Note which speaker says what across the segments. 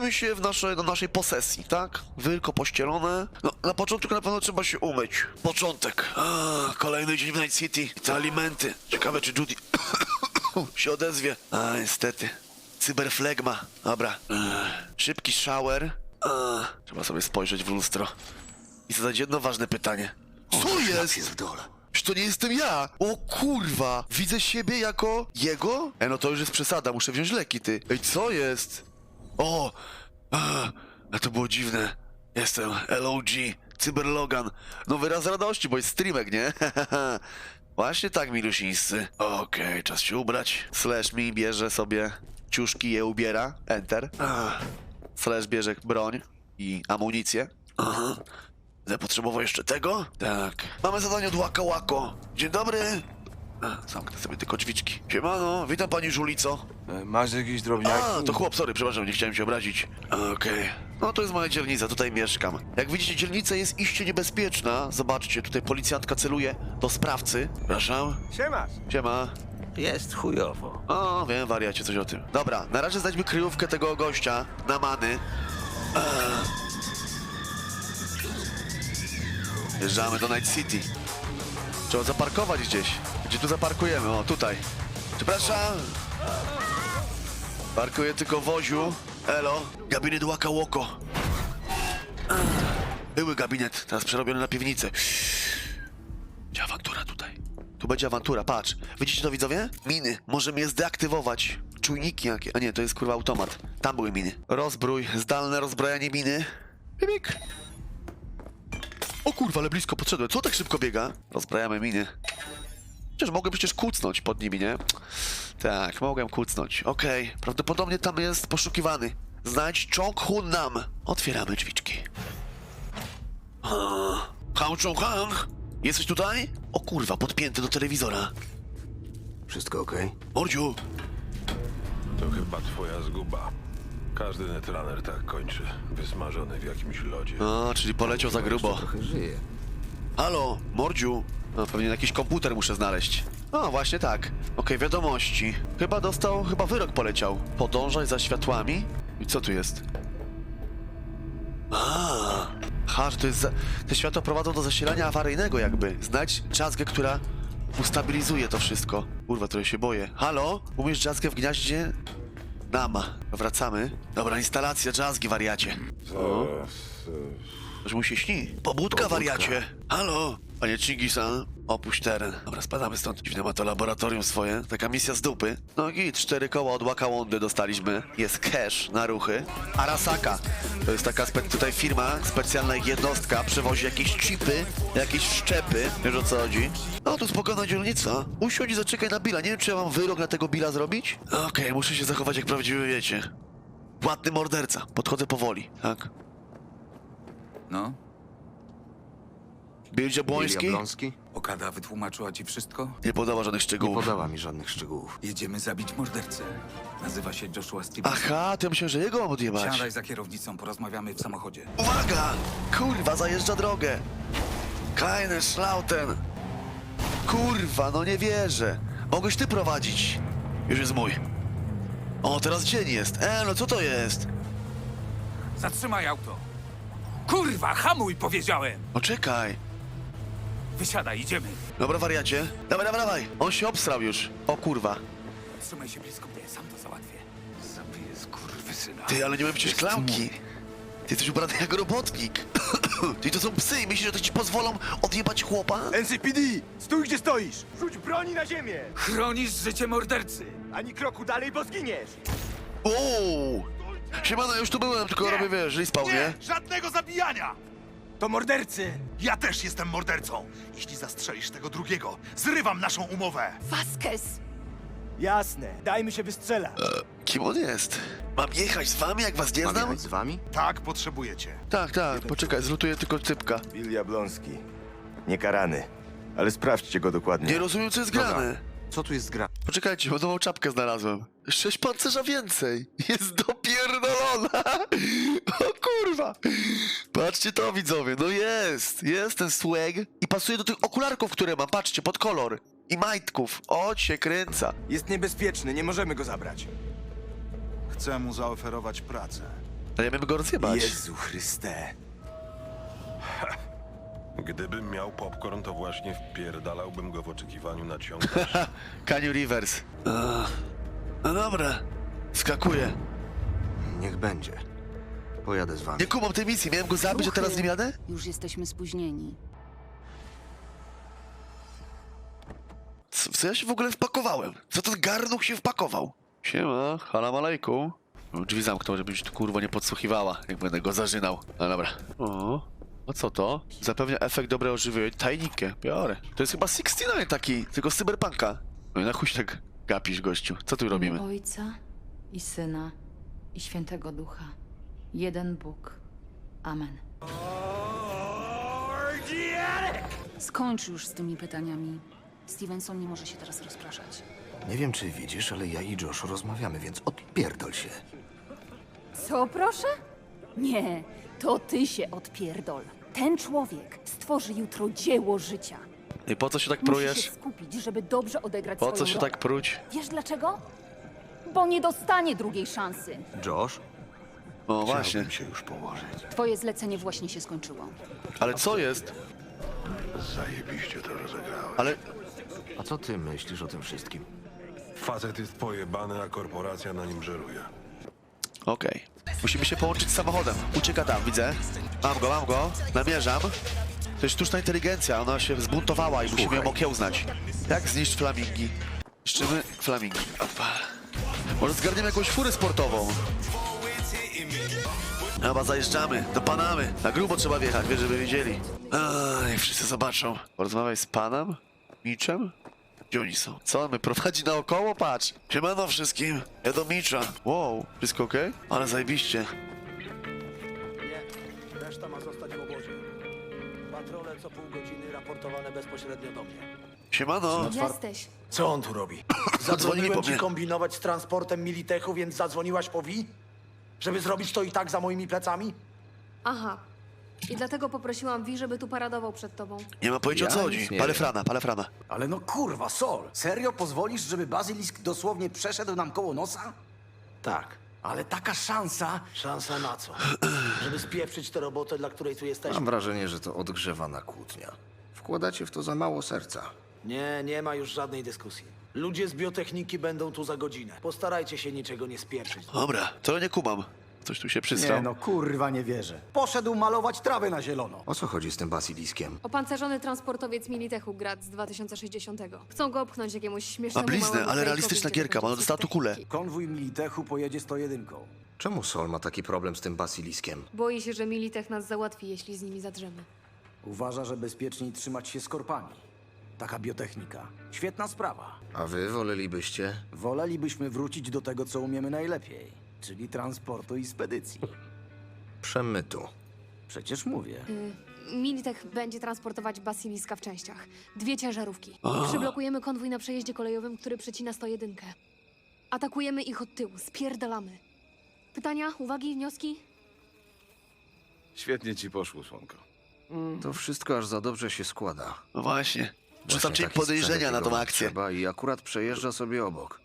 Speaker 1: znajdujemy się na naszej posesji, tak? Tylko pościelone. No, na początku na pewno trzeba się umyć. Początek. Kolejny dzień w Night City. Te alimenty. Ciekawe, czy Judy się odezwie. Niestety. Cyberflegma. Dobra. Szybki shower. Trzeba sobie spojrzeć w lustro i zadać jedno ważne pytanie. Co jest?
Speaker 2: Jest w dole.
Speaker 1: Czy to nie jestem ja? O kurwa! Widzę siebie jako jego? No to już jest przesada, muszę wziąć leki, ty. Ej, co jest? O! A to było dziwne. Jestem LOG, Cyberlogan. No wyraz radości, bo jest streamek, nie? Właśnie tak, milusińscy. Okej, czas się ubrać. Slash mi bierze sobie ciuszki, je ubiera. Enter. Slash bierze broń i amunicję. Będę potrzebował jeszcze tego? Tak. Mamy zadanie od Łaka Łako. Dzień dobry. Zamknę sobie tylko drzwiczki. Siemano, witam pani Żulico.
Speaker 2: Masz jakieś drobniaki?
Speaker 1: To chłop, sorry, przepraszam, nie chciałem się obrazić. Okej. No to jest moja dzielnica, tutaj mieszkam. Jak widzicie, dzielnica jest iście niebezpieczna. Zobaczcie, tutaj policjantka celuje do sprawcy. Przepraszam.
Speaker 2: Siemasz.
Speaker 1: Siema.
Speaker 3: Jest chujowo.
Speaker 1: O, wiem, wariacie, coś o tym. Dobra, na razie znajdźmy kryjówkę tego gościa na many. Wjeżdżamy do Night City. Trzeba zaparkować gdzieś. Gdzie tu zaparkujemy? O, tutaj. Przepraszam. Parkuję tylko woziu. Elo. Gabinet Łaka Łoko. Były gabinet, teraz przerobiony na piwnicę. Będzie awantura tutaj. Tu będzie awantura, patrz. Widzicie to, widzowie? Miny. Możemy je zdeaktywować. Czujniki jakie. A nie, to jest kurwa automat. Tam były miny. Rozbrój. Zdalne rozbrojanie miny. Pipik. O kurwa, ale blisko podszedłem. Co tak szybko biega? Rozbrajamy miny. Przecież mogłem kucnąć pod nimi, nie? Tak, mogłem kucnąć. Okej, prawdopodobnie tam jest poszukiwany. Znajdź Chong Hun Nam. Otwieramy drzwiczki. Hang Chong Hang! Jesteś tutaj? O kurwa, podpięty do telewizora.
Speaker 2: Wszystko okej?
Speaker 1: Mordziu!
Speaker 4: To chyba twoja zguba. Każdy netrunner tak kończy. Wysmażony w jakimś lodzie.
Speaker 1: Czyli poleciał za grubo.
Speaker 2: Trochę żyje.
Speaker 1: Halo, Mordziu. Pewnie jakiś komputer muszę znaleźć. Właśnie tak. Okej, wiadomości. Chyba wyrok poleciał. Podążaj za światłami. I co tu jest? Że to jest te światła prowadzą do zasilania awaryjnego jakby. Znajdź drzazgę, która ustabilizuje to wszystko. Kurwa, trochę się boję. Halo? Umiesz drzazgę w gniaździe? Nama. Wracamy. Dobra, instalacja drzazgi, wariacie. Coś mu się śni. Pobudka, wariacie. Halo? Panie Chingisan, opuść teren. Dobra, spadamy stąd. Dziwne ma to laboratorium swoje. Taka misja z dupy. No i 4 koła od Łaka Łądy dostaliśmy. Jest cash na ruchy. Arasaka. To jest taka tutaj firma, specjalna jednostka. Przewozi jakieś chipy, jakieś wszczepy. Wiesz, o co chodzi? No, tu spokojna dzielnica. Usiądź i zaczekaj na Billa. Nie wiem, czy ja mam wyrok na tego Billa zrobić? Okej, muszę się zachować jak prawdziwy, wiecie. Płatny morderca. Podchodzę powoli, tak?
Speaker 3: No?
Speaker 1: Bill Jabłoński?
Speaker 2: Jablonski?
Speaker 5: Okada wytłumaczyła ci wszystko?
Speaker 1: Nie podała żadnych
Speaker 2: Nie
Speaker 1: szczegółów.
Speaker 2: podała mi żadnych szczegółów.
Speaker 5: Jedziemy zabić mordercę. Nazywa się Joshua Stevens.
Speaker 1: Aha, to ja myślałem, że jego mam odjebać.
Speaker 5: Siadaj za kierownicą, porozmawiamy w samochodzie.
Speaker 1: Uwaga! Kurwa, zajeżdża drogę! Keine Schlauten! Kurwa, no nie wierzę! Mogłeś ty prowadzić! Już jest mój. O, teraz dzień jest. No co to jest?
Speaker 5: Zatrzymaj auto! Kurwa, hamuj, powiedziałem!
Speaker 1: Czekaj.
Speaker 5: Wysiadaj, idziemy.
Speaker 1: Dobra, wariacie. Dawaj, dawaj, dawaj. On się obsrał już. O kurwa.
Speaker 5: Trzymaj się blisko mnie, sam to załatwię. Zabiję skurwysyna.
Speaker 1: Ty, ale nie mam przecież klamki. Ty jesteś ubrany jak robotnik. Ty, to są psy i myślisz, że to ci pozwolą odjebać chłopa?
Speaker 6: NCPD! Stój, gdzie stoisz! Rzuć broni na ziemię!
Speaker 5: Chronisz życie mordercy!
Speaker 6: Ani kroku dalej, bo zginiesz!
Speaker 1: Ooo! Siemano, ja już tu byłem, tylko robię, wiesz, lispał, nie?
Speaker 7: Żadnego zabijania!
Speaker 6: To mordercy!
Speaker 7: Ja też jestem mordercą. Jeśli zastrzelisz tego drugiego, zrywam naszą umowę.
Speaker 8: Vasquez!
Speaker 6: Jasne, dajmy się wystrzelać.
Speaker 1: Kim on jest? Mam jechać z wami, jak was nie
Speaker 2: Mam
Speaker 1: znam?
Speaker 2: jechać z wami?
Speaker 7: Tak potrzebujecie.
Speaker 1: Tak, poczekaj, zlutuję tylko typka.
Speaker 9: Bill Jablonski. Niekarany. Ale sprawdźcie go dokładnie.
Speaker 1: Nie rozumiem, co jest grane.
Speaker 2: Co tu jest gra?
Speaker 1: Poczekajcie, bo nową czapkę znalazłem. 6 pancerza więcej. Jest dopierdolona. O kurwa. Patrzcie to, widzowie. No jest ten swag. I pasuje do tych okularków, które mam. Patrzcie, pod kolor. I majtków. O, się kręca.
Speaker 6: Jest niebezpieczny, nie możemy go zabrać.
Speaker 7: Chcę mu zaoferować pracę.
Speaker 1: Dajemy go rozjebać.
Speaker 2: Jezu Chryste.
Speaker 4: Gdybym miał popcorn, to właśnie wpierdalałbym go w oczekiwaniu na ciąg.
Speaker 1: Canyon Rivers. No dobra. Skakuję.
Speaker 2: Niech będzie. Pojadę z wami.
Speaker 1: Nie kumam tej misji. Miałem go zabić, a teraz z nim jadę?
Speaker 8: Już jesteśmy spóźnieni.
Speaker 1: W co ja się w ogóle wpakowałem? Co ten garnuch się wpakował? Siema, halam alejkum. Drzwi zamknął, żebyś tu kurwo nie podsłuchiwała, jak będę go zażynał. No dobra. O, a co to? Zapewnia efekt dobrego żywienia. Tajnikę, biorę. To jest chyba 69 taki, tylko z cyberpunka. No i na chuj się tak gapisz, gościu. Co tu robimy?
Speaker 8: Ojca i Syna i Świętego Ducha. Jeden Bóg. Amen. Skończ już z tymi pytaniami. Stevenson nie może się teraz rozpraszać.
Speaker 2: Nie wiem, czy widzisz, ale ja i Josh rozmawiamy, więc odpierdol się.
Speaker 10: Co, proszę? Nie, to ty się odpierdol. Ten człowiek stworzy jutro dzieło życia.
Speaker 1: I po co się tak
Speaker 10: Musi
Speaker 1: prujesz?
Speaker 10: się skupić, żeby dobrze odegrać
Speaker 1: Po
Speaker 10: swoją
Speaker 1: co się
Speaker 10: rolę.
Speaker 1: tak pruć?
Speaker 10: Wiesz dlaczego? Bo nie dostanie drugiej szansy.
Speaker 2: Josh?
Speaker 1: O właśnie.
Speaker 2: Chciałbym się już położyć.
Speaker 8: Twoje zlecenie właśnie się skończyło.
Speaker 1: Ale co jest?
Speaker 4: Zajebiście to rozegrałem.
Speaker 1: Ale
Speaker 2: A co ty myślisz o tym wszystkim?
Speaker 4: Facet jest pojebany, a korporacja na nim żeruje.
Speaker 1: okej. Musimy się połączyć z samochodem. Ucieka tam, widzę. Mam go. Namierzam. To jest sztuczna inteligencja, ona się zbuntowała i musimy ją okiełznać. Jak zniszczyć flamingi? Niszczymy flamingi. Opa. Może zgarniemy jakąś furę sportową. Chyba zajeżdżamy, dopanamy. Na grubo trzeba wjechać, wiesz, żeby wiedzieli. Niech wszyscy zobaczą. Porozmawiaj z panem? Miczem? Gdzie oni są? Co on mnie prowadzi naokoło? Patrz. Siemano wszystkim. Ja do Micza. Wow, wszystko okej? Ale zajebiście.
Speaker 6: Nie, reszta ma zostać w obozie. Patrole co pół godziny raportowane bezpośrednio do mnie.
Speaker 1: Siemano.
Speaker 10: Jesteś.
Speaker 6: Co on tu robi?
Speaker 1: Dzwonili po
Speaker 6: Zadzwoniłem ci
Speaker 1: mnie.
Speaker 6: kombinować z transportem Militechu, więc zadzwoniłaś po Wi? Żeby zrobić to i tak za moimi plecami?
Speaker 11: Aha. I dlatego poprosiłam Wi, żeby tu paradował przed tobą.
Speaker 1: Nie ma pojęcia o co
Speaker 2: Ja
Speaker 1: chodzi.
Speaker 2: nic nie
Speaker 1: Palefrana.
Speaker 6: Ale no kurwa, Sol, serio pozwolisz, żeby Bazylisk dosłownie przeszedł nam koło nosa? Tak. Ale taka szansa... Szansa na co? Żeby spieprzyć tę robotę, dla której tu jesteśmy?
Speaker 2: Mam wrażenie, że to odgrzewana kłótnia. Wkładacie w to za mało serca.
Speaker 6: Nie, nie ma już żadnej dyskusji. Ludzie z biotechniki będą tu za godzinę. Postarajcie się niczego nie spieprzyć.
Speaker 1: Dobra, to nie kumam. Coś tu się przysrał.
Speaker 6: Nie no, kurwa nie wierzę. Poszedł malować trawę na zielono.
Speaker 2: O co chodzi z tym basiliskiem?
Speaker 11: Opancerzony transportowiec Militechu Grad z 2060. Chcą go opchnąć jakiemuś śmiesznemu
Speaker 1: Ma bliznę,
Speaker 11: małemu
Speaker 1: ale
Speaker 11: fejkowi,
Speaker 1: realistyczna
Speaker 11: który
Speaker 1: gierka, bo ona
Speaker 11: będzie
Speaker 1: dostała tu kulę.
Speaker 11: techniki.
Speaker 6: Konwój Militechu pojedzie 101.
Speaker 2: Czemu Sol ma taki problem z tym basiliskiem?
Speaker 11: Boi się, że Militech nas załatwi, jeśli z nimi zadrzemy.
Speaker 6: Uważa, że bezpieczniej trzymać się z korpami. Taka biotechnika. Świetna sprawa.
Speaker 2: A wy wolelibyście?
Speaker 6: Wolelibyśmy wrócić do tego, co umiemy najlepiej. Czyli transportu i spedycji.
Speaker 2: Przemytu.
Speaker 6: Przecież mówię.
Speaker 11: Militech będzie transportować basiliska w częściach. 2 ciężarówki. Przyblokujemy konwój na przejeździe kolejowym, który przecina 101. Atakujemy ich od tyłu, spierdalamy. Pytania, uwagi, wnioski?
Speaker 3: Świetnie ci poszło, słonko.
Speaker 2: To wszystko aż za dobrze się składa.
Speaker 1: No właśnie. Rzucam
Speaker 2: Właśnie
Speaker 1: cień
Speaker 2: taki
Speaker 1: podejrzenia
Speaker 2: sprzęt,
Speaker 1: na tą
Speaker 2: jakiego
Speaker 1: akcję.
Speaker 2: Trzeba i akurat przejeżdża sobie obok.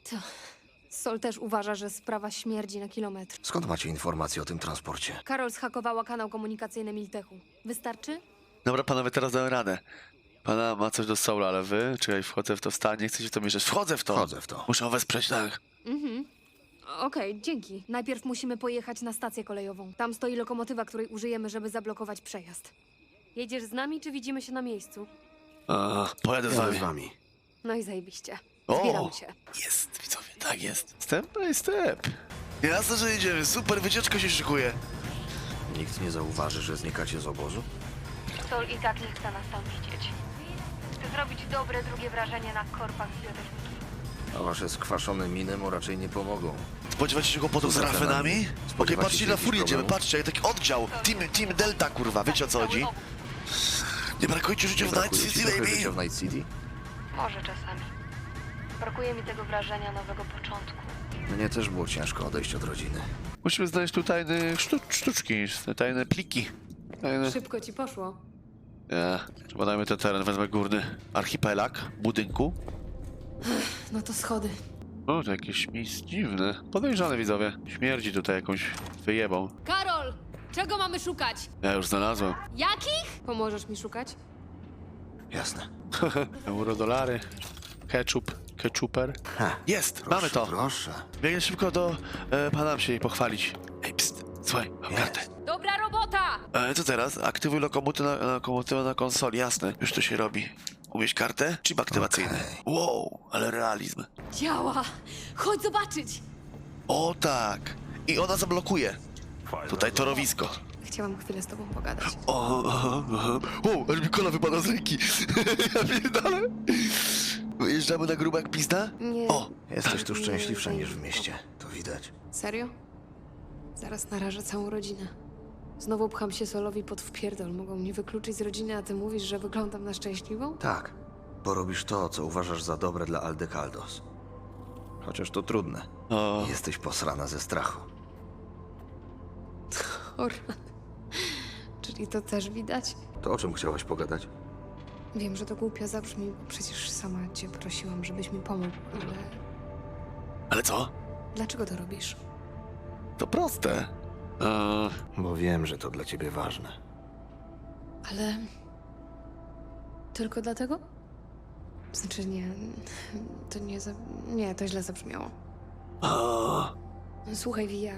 Speaker 11: Sol też uważa, że sprawa śmierdzi na kilometr.
Speaker 2: Skąd macie informacje o tym transporcie?
Speaker 11: Karol zhakowała kanał komunikacyjny Militechu. Wystarczy?
Speaker 1: Dobra, panowie, teraz dałem radę. Pana ma coś do Soula, ale wy? Czekaj, wchodzę w to stanie, chcecie w to mieszać. Wchodzę w to!
Speaker 2: Wchodzę w to.
Speaker 1: Muszę wesprzeć, tak.
Speaker 11: Okej, dzięki. Najpierw musimy pojechać na stację kolejową. Tam stoi lokomotywa, której użyjemy, żeby zablokować przejazd. Jedziesz z nami, czy widzimy się na miejscu?
Speaker 1: Pojadę z
Speaker 2: Jadę
Speaker 1: wami.
Speaker 2: z wami.
Speaker 11: No i zajebiście.
Speaker 1: O!
Speaker 11: Zbieram cię.
Speaker 1: Jest, widzowie, tak jest. Step by step. Jasne, że jedziemy. Super, wycieczka się szykuje.
Speaker 2: Nikt nie zauważy, że znikacie z obozu?
Speaker 11: Sol i tak nie chce nas tam widzieć. Chcę zrobić dobre drugie wrażenie na korpach z biotechniki.
Speaker 2: A wasze skwaszone miny mu raczej nie pomogą.
Speaker 1: Spodziewacie się kłopotów z
Speaker 2: Co za
Speaker 1: rafenami?
Speaker 2: temat?
Speaker 1: Okej,
Speaker 2: Spodziewacie
Speaker 1: patrzcie,
Speaker 2: się
Speaker 1: na
Speaker 2: jakichś
Speaker 1: furię jedziemy,
Speaker 2: problemów?
Speaker 1: patrzcie, taki oddział. Team Delta, kurwa, wiecie o co chodzi? Nie brakuje ci życia w Night
Speaker 2: Brakuje ci
Speaker 1: City,
Speaker 2: trochę
Speaker 1: baby!
Speaker 2: życia w Night City?
Speaker 11: Może czasami. Brakuje mi tego wrażenia nowego początku.
Speaker 2: Mnie też było ciężko odejść od rodziny.
Speaker 1: Musimy znaleźć tu tajne sztuczki, tajne pliki. Tajne...
Speaker 11: Szybko ci poszło.
Speaker 1: Badajmy ten teren, wezmę górny archipelag budynku.
Speaker 11: No to schody.
Speaker 1: O, to jakieś miejsce dziwne. Podejrzane, widzowie. Śmierdzi tutaj jakąś wyjebą.
Speaker 11: Karol! Czego mamy szukać?
Speaker 1: Ja już znalazłem.
Speaker 11: Jakich? Pomożesz mi szukać?
Speaker 6: Jasne.
Speaker 1: Eurodolary. Ketchuper. Jest! Mamy to!
Speaker 6: Proszę.
Speaker 1: Biegnę szybko do pana się jej pochwalić. Ej, pst, słuchaj, mam kartę.
Speaker 11: Dobra robota!
Speaker 1: Co teraz? Aktywuj lokomotywę na konsoli, jasne. Już to się robi. Umieć kartę? Chip aktywacyjny.
Speaker 6: Okej.
Speaker 1: Wow, ale realizm.
Speaker 11: Działa! Chodź zobaczyć!
Speaker 1: O tak! I ona zablokuje. Tutaj torowisko.
Speaker 11: Chciałam chwilę z tobą pogadać.
Speaker 1: Aż mi kola wypada z ręki. Ja pierdolę. Wyjeżdżamy na grubak pizda?
Speaker 11: Nie.
Speaker 1: O!
Speaker 6: Jesteś tu szczęśliwsza niż w mieście. To widać.
Speaker 11: Serio? Zaraz narażę całą rodzinę. Znowu pcham się Solowi pod wpierdol. Mogą mnie wykluczyć z rodziny, a ty mówisz, że wyglądam na szczęśliwą?
Speaker 6: Tak, bo robisz to, co uważasz za dobre dla Aldecaldos. Chociaż to trudne.
Speaker 1: O.
Speaker 6: Jesteś posrana ze strachu.
Speaker 11: O rany. Czyli to też widać?
Speaker 6: To o czym chciałaś pogadać?
Speaker 11: Wiem, że to głupio zabrzmi, bo przecież sama cię prosiłam, żebyś mi pomógł, ale...
Speaker 1: Ale co?
Speaker 11: Dlaczego to robisz?
Speaker 1: To proste.
Speaker 6: Bo wiem, że to dla ciebie ważne.
Speaker 11: Ale... Tylko dlatego? Znaczy nie... To nie... Nie, to źle zabrzmiało. Słuchaj, Via...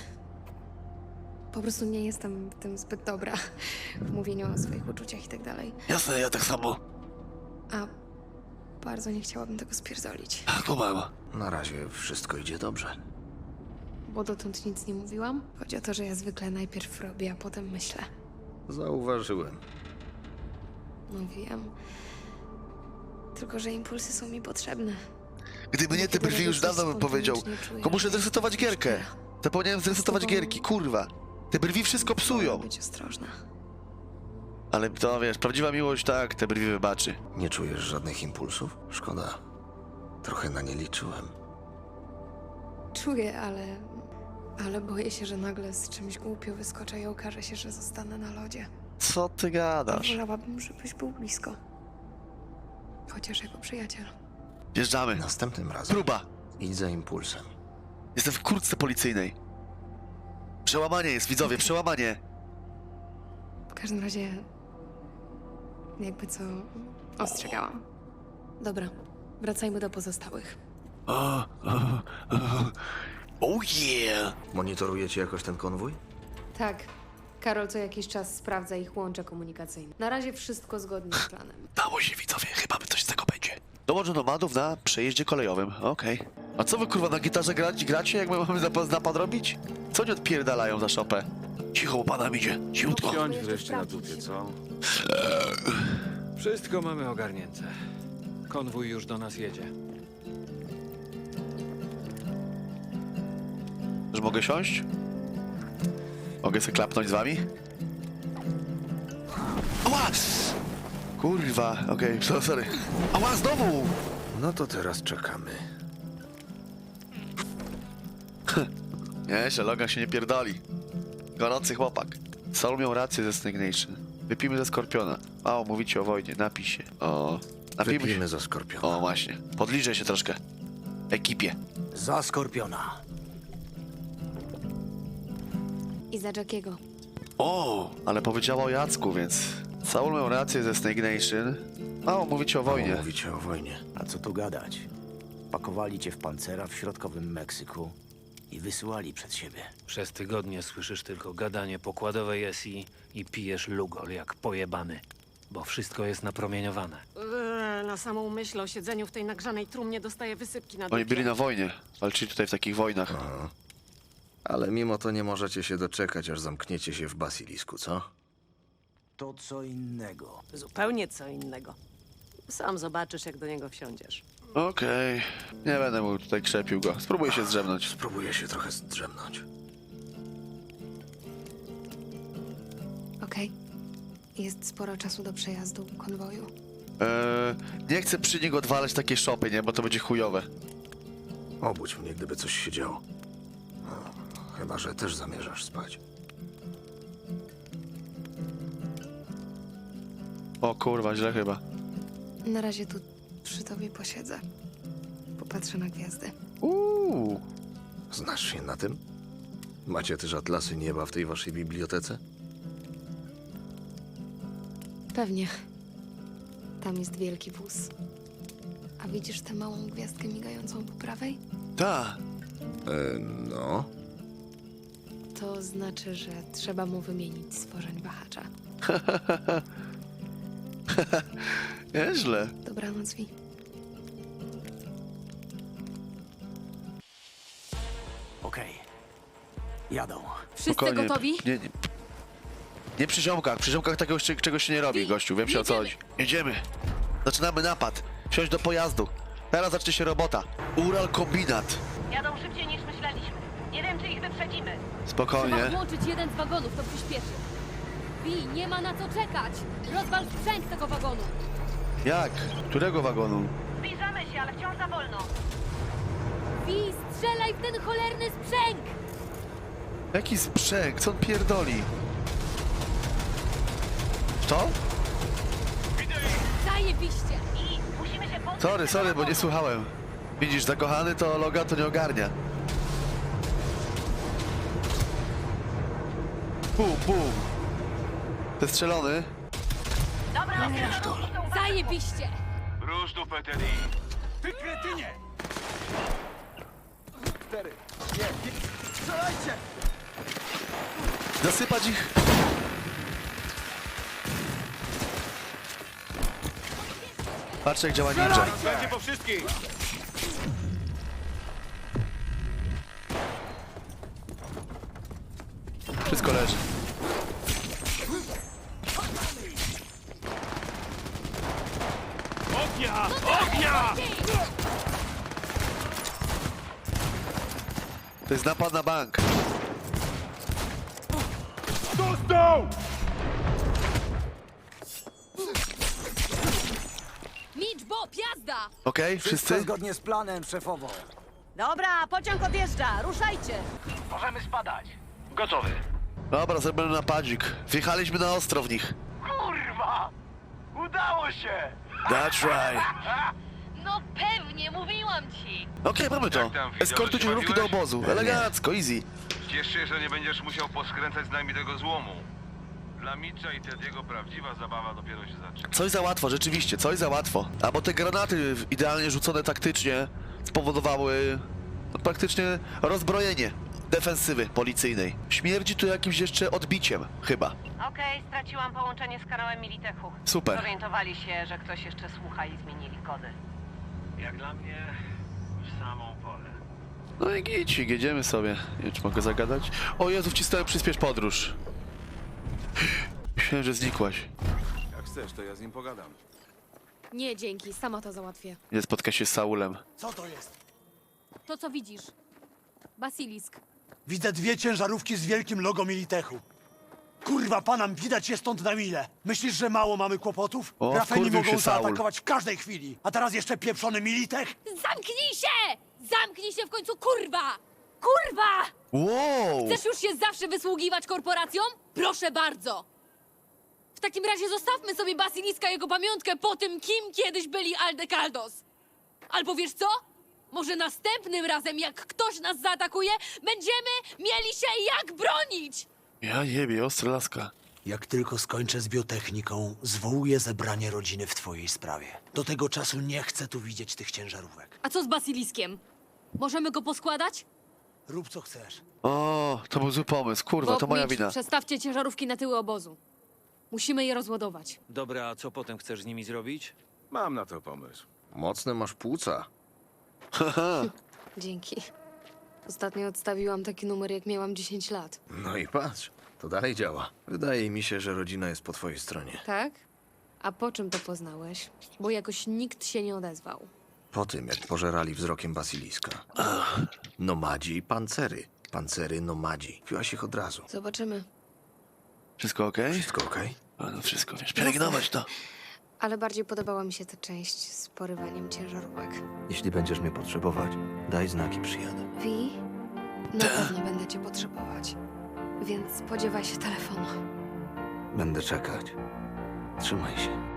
Speaker 11: Po prostu nie jestem w tym zbyt dobra. W mówieniu o swoich uczuciach i tak dalej.
Speaker 1: Jasne, ja tak samo.
Speaker 11: A bardzo nie chciałabym tego spierdolić.
Speaker 1: Kumam.
Speaker 6: Na razie wszystko idzie dobrze.
Speaker 11: Bo dotąd nic nie mówiłam. Chodzi o to, że ja zwykle najpierw robię, a potem myślę.
Speaker 6: Zauważyłem.
Speaker 11: No wiem. Tylko, że impulsy są mi potrzebne.
Speaker 1: Gdyby nie te
Speaker 11: Kiedy
Speaker 1: brwi, już
Speaker 11: robię coś
Speaker 1: dawno bym powiedział.
Speaker 11: spontanicznie, czuję,
Speaker 1: Tylko muszę
Speaker 11: że
Speaker 1: zresetować
Speaker 11: jestem
Speaker 1: gierkę.
Speaker 11: szczera.
Speaker 1: Zapomniałem zresetować
Speaker 11: Z tobą-
Speaker 1: gierki, kurwa. Te brwi wszystko psują.
Speaker 11: Wolę być ostrożna.
Speaker 1: Ale to wiesz, prawdziwa miłość tak, te brwi wybaczy.
Speaker 6: Nie czujesz żadnych impulsów? Szkoda. Trochę na nie liczyłem.
Speaker 11: Czuję, ale boję się, że nagle z czymś głupio wyskoczę i okaże się, że zostanę na lodzie.
Speaker 1: Co ty gadasz?
Speaker 11: Wolałabym, żebyś był blisko. Chociaż jako przyjaciel.
Speaker 1: Wjeżdżamy.
Speaker 6: Następnym razem
Speaker 1: Próba.
Speaker 6: idź za impulsem.
Speaker 1: Jestem w kurtce policyjnej. Przełamanie jest, widzowie, przełamanie.
Speaker 11: W każdym razie... Jakby co... Ostrzegałam. Dobra, wracajmy do pozostałych.
Speaker 1: Oh yeah!
Speaker 6: Monitorujecie jakoś ten konwój?
Speaker 11: Tak. Karol co jakiś czas sprawdza ich łącze komunikacyjne. Na razie wszystko zgodnie z planem.
Speaker 1: Dało się, widzowie, chyba by coś z tego będzie. Dołącz do nomadów na przejeździe kolejowym, okej. A co wy, kurwa, na gitarze gracie, jak my mamy napad robić? Co oni odpierdalają za szopę? Cicho, bo pana idzie, cichutko.
Speaker 5: Siądź wreszcie na dupie, co? Wszystko mamy ogarnięte. Konwój już do nas jedzie.
Speaker 1: Że mogę siąść? Mogę sobie klapnąć z wami? Ała! Kurwa, okej, sorry. Ała, znowu!
Speaker 6: No to teraz czekamy.
Speaker 1: Nie, Logan się nie pierdoli. Gorący chłopak. Sol miał rację ze Snake Nation. Wypijmy ze Skorpiona. Mało mówicie o wojnie, napij się. O, napijmy się.
Speaker 6: Wypijmy za Skorpiona.
Speaker 1: O, właśnie. Podliżę się troszkę. Ekipie.
Speaker 6: Za Skorpiona.
Speaker 11: I za Jackiego.
Speaker 1: O, ale powiedziała o Jacku, więc... Saul miał rację ze Snake Nation. Mało mówicie o wojnie.
Speaker 6: Mówicie o wojnie.
Speaker 12: A co tu gadać? Pakowali cię w pancera w środkowym Meksyku i wysyłali przed siebie.
Speaker 5: Przez tygodnie słyszysz tylko gadanie pokładowej SI i pijesz lugol jak pojebany. Bo wszystko jest napromieniowane.
Speaker 10: Na samą myśl o siedzeniu w tej nagrzanej trumnie dostaję wysypki na dupie.
Speaker 1: Oni byli na wojnie. Walczyli tutaj w takich wojnach.
Speaker 6: Ale mimo to nie możecie się doczekać, aż zamkniecie się w basilisku, co?
Speaker 12: To co innego.
Speaker 10: Zupełnie co innego. Sam zobaczysz, jak do niego wsiądziesz.
Speaker 1: Okej. Nie będę mu tutaj krzepił go. Spróbuję się zdrzemnąć.
Speaker 6: Spróbuję się trochę zdrzemnąć.
Speaker 11: Okej. Jest sporo czasu do przejazdu konwoju.
Speaker 1: Nie chcę przy niego odwalać takiej szopy, nie? Bo to będzie chujowe.
Speaker 6: Obudź mnie, gdyby coś się działo. Chyba że też zamierzasz spać.
Speaker 1: O kurwa, źle chyba.
Speaker 11: Na razie tu przy tobie posiedzę. Popatrzę na gwiazdy.
Speaker 2: Znasz się na tym? Macie też atlasy nieba w tej waszej bibliotece?
Speaker 11: Pewnie. Tam jest wielki wóz. A widzisz tę małą gwiazdkę migającą po prawej?
Speaker 1: Ta.
Speaker 2: No.
Speaker 11: To znaczy, że trzeba mu wymienić stworzeń wahacza.
Speaker 1: Nieźle.
Speaker 11: Dobranoc, Vi.
Speaker 12: Okej. Jadą.
Speaker 11: Wszyscy gotowi?
Speaker 1: Nie przy ziomkach. Przy ziomkach takiego czegoś się nie robi, gościu. Wiem się o co chodzi. Jedziemy. Zaczynamy napad. Wsiąść do pojazdu. Teraz zacznie się robota. Ural Kombinat.
Speaker 10: Jadą szybciej niż myśleliśmy. Nie wiem, czy ich wyprzedzimy.
Speaker 1: Spokojnie.
Speaker 10: włączyć jeden z wagonów, to przyspieszy. Vi, nie ma na co czekać. Rozwal sprzęt tego wagonu.
Speaker 1: Jak? Którego wagonu?
Speaker 10: Zbliżamy się, ale wciąż za wolno. Vi, strzelaj w ten cholerny sprzęg!
Speaker 1: Jaki sprzęg? Co on pierdoli? To?
Speaker 10: Zajebiście! I musimy się pozbyć
Speaker 1: Sorry, bo nie słuchałem. Widzisz, zakochany to Logan to nie ogarnia. Bum. Ty strzelony?
Speaker 10: Dobra, zajebiście!
Speaker 7: Rusz tu, Peteri. Ty kretynie!
Speaker 1: Zasypać ich. Patrz jak działa ninja.
Speaker 7: Będzie po wszystkich!
Speaker 1: Wszystko leży.
Speaker 7: Ognia! Ognia!
Speaker 1: To jest napad na bank.
Speaker 7: Dostał!
Speaker 10: Mitch, Bob, jazda!
Speaker 1: Okej, wszyscy?
Speaker 12: Zgodnie z planem, szefowo.
Speaker 10: Dobra, pociąg odjeżdża, ruszajcie!
Speaker 7: Możemy spadać. Gotowy.
Speaker 1: Dobra, zrobimy napadzik. Wjechaliśmy na ostro w nich.
Speaker 7: Kurwa! Udało się!
Speaker 1: That's right.
Speaker 10: No pewnie, mówiłam ci!
Speaker 1: Okej, mamy to.
Speaker 7: Jak tam, wideo,
Speaker 1: Eskortu
Speaker 7: się
Speaker 1: ciężarówki do
Speaker 7: bawiłeś?
Speaker 1: obozu. Elegancko, easy.
Speaker 7: Ciesz się, że nie będziesz musiał poskręcać z nami tego złomu. Dla Mitcha i Tediego prawdziwa zabawa dopiero się zaczyna.
Speaker 1: Coś za łatwo, rzeczywiście, coś za łatwo. A bo te granaty idealnie rzucone taktycznie spowodowały praktycznie rozbrojenie defensywy policyjnej. Śmierdzi tu jakimś jeszcze odbiciem, chyba.
Speaker 10: Okej, straciłam połączenie z kanałem Militechu.
Speaker 1: Super.
Speaker 10: Zorientowali się, że ktoś jeszcze słucha i zmienili kody.
Speaker 7: Jak dla mnie, w samą porę.
Speaker 1: No i gicik, jedziemy sobie. Nie wiem, czy mogę zagadać? O Jezu, wcisnąłem przyspiesz podróż. Myślałem, że znikłaś.
Speaker 4: Jak chcesz, to ja z nim pogadam.
Speaker 11: Nie, dzięki, sama to załatwię.
Speaker 1: Nie spotka się z Saulem.
Speaker 6: Co to jest?
Speaker 10: To co widzisz? Basilisk.
Speaker 6: Widzę dwie ciężarówki z wielkim logo Militechu. Kurwa, panam, widać je stąd na mile. Myślisz, że mało mamy kłopotów?
Speaker 1: O,
Speaker 6: Rafeni
Speaker 1: wkurwił
Speaker 6: mogą
Speaker 1: się Saul.
Speaker 6: zaatakować w każdej chwili. A teraz jeszcze pieprzony Militech?
Speaker 10: Zamknij się! Zamknij się w końcu, kurwa! Kurwa!
Speaker 1: Wow!
Speaker 10: Chcesz już się zawsze wysługiwać korporacjom? Proszę bardzo! W takim razie zostawmy sobie Basiliska i jego pamiątkę po tym, kim kiedyś byli Aldekaldos. Albo wiesz co? Może następnym razem, jak ktoś nas zaatakuje, będziemy mieli się jak bronić!
Speaker 1: Ja jebie, ostra laska.
Speaker 6: Jak tylko skończę z biotechniką, zwołuję zebranie rodziny w twojej sprawie. Do tego czasu nie chcę tu widzieć tych ciężarówek.
Speaker 10: A co z Basiliskiem? Możemy go poskładać?
Speaker 6: Rób co chcesz.
Speaker 1: O, to był zły pomysł. Kurwa,
Speaker 11: Bob,
Speaker 1: to moja
Speaker 11: Mitch,
Speaker 1: wina.
Speaker 11: przestawcie ciężarówki na tyły obozu. Musimy je rozładować.
Speaker 5: Dobra, a co potem chcesz z nimi zrobić?
Speaker 4: Mam na to pomysł.
Speaker 2: Mocne masz płuca.
Speaker 1: Haha.
Speaker 11: Dzięki. Ostatnio odstawiłam taki numer, jak miałam 10 lat.
Speaker 2: No i patrz, to dalej działa. Wydaje mi się, że rodzina jest po twojej stronie.
Speaker 11: Tak? A po czym to poznałeś? Bo jakoś nikt się nie odezwał.
Speaker 2: Po tym, jak pożerali wzrokiem basiliska. Nomadzi i pancery. Pancery, nomadzi. Piłaś ich od razu.
Speaker 11: Zobaczymy.
Speaker 1: Wszystko okej?
Speaker 2: Wszystko okej?
Speaker 1: A no wszystko, wiesz, pielęgnować to.
Speaker 11: Ale bardziej podobała mi się ta część z porywaniem ciężarówek.
Speaker 2: Jeśli będziesz mnie potrzebować, daj znaki, przyjadę.
Speaker 11: Wi, na pewno będę cię potrzebować. Więc spodziewaj się telefonu.
Speaker 2: Będę czekać. Trzymaj się.